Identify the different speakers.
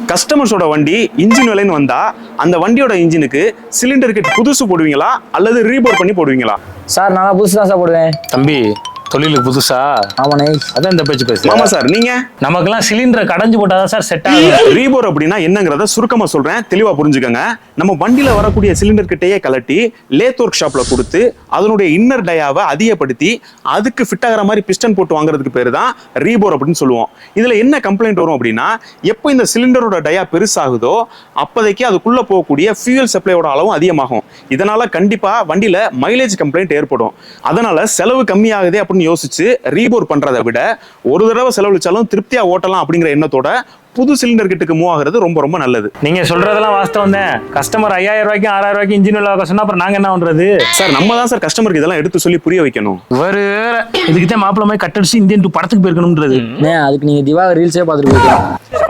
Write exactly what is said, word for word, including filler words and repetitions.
Speaker 1: கஸ்டமர்ஸோட வண்டி இன்ஜின் விலைன்னு வந்தா அந்த வண்டியோட இன்ஜினுக்கு சிலிண்டர் கிட் புதுசு போடுவீங்களா அல்லது ரீபோர் பண்ணி போடுவீங்களா?
Speaker 2: சார் நான் புதுசு தான் சார் போடுவேன்.
Speaker 3: தம்பி தொழிலுக்கு புதுசா?
Speaker 2: ஆமாண்ணே.
Speaker 3: அதான் இந்த பேச்சு பேசு.
Speaker 1: ஆமா சார். நீங்க?
Speaker 3: நமக்கெல்லாம் சிலிண்டரை கடைஞ்சு போட்டாதான் சார் செட் ஆகும்.
Speaker 1: ரீபோர் அப்படின்னா என்னங்கிறத சுருக்கமா சொல்றேன், தெளிவா புரிஞ்சுக்கங்க. நம்ம வண்டியில வரக்கூடிய சிலிண்டர் கிட்டையே கலட்டி லேத் ஒர்க் ஷாப்ல கொடுத்து அதனுடைய இன்னர் டயாவை அதிகப்படுத்தி அதுக்கு ஃபிட் ஆகிற மாதிரி பிஸ்டன் போட்டு வாங்குறதுக்கு பேரு தான் ரீபோர் அப்படின்னு சொல்லுவோம். இதுல என்ன கம்ப்ளைண்ட் வரும் அப்படின்னா, எப்போ இந்த சிலிண்டரோட டயா பெருசாகுதோ அப்போதைக்கு அதுக்குள்ள போகக்கூடிய ஃபியூயல் சப்ளையோட அளவும் அதிகமாகும். இதனால கண்டிப்பா வண்டியில மைலேஜ் கம்ப்ளைண்ட் ஏற்படும். அதனால செலவு கம்மியாகுதே அப்படின்னு யோசிச்சு ரீபோர் பண்றதை விட ஒரு தடவை செலவழிச்சாலும் திருப்தியா ஓட்டலாம் அப்படிங்கிற எண்ணத்தோட புது சிலிண்டர் கிட்டுக்கு மூவ் ஆகுறது ரொம்ப ரொம்ப நல்லது.
Speaker 3: நீங்க சொல்றதெல்லாம் வாஸ்தவம் தான். கஸ்டமர் ஐயாயிரம் ரூபாய்க்கு ஆறாயிரம் ரூபாய்க்கு இன்ஜின் விலை சொன்னா அப்புறம் நாங்க என்ன பண்றது
Speaker 1: சார்? நம்ம தான் சார் கஸ்டமருக்கு இதெல்லாம் எடுத்து சொல்லி புரிய வைக்கணும்.
Speaker 3: ஒரு இதுக்குதான் மாப்பிள்ள மாதிரி கட்டடிச்சு இந்தியன் டூ படத்துக்கு போயிருக்கணும்ன்றது.
Speaker 2: அதுக்கு நீங்க திவாகர் ரீல்ஸே பார்த்துட்டு போயிக்கலாம்.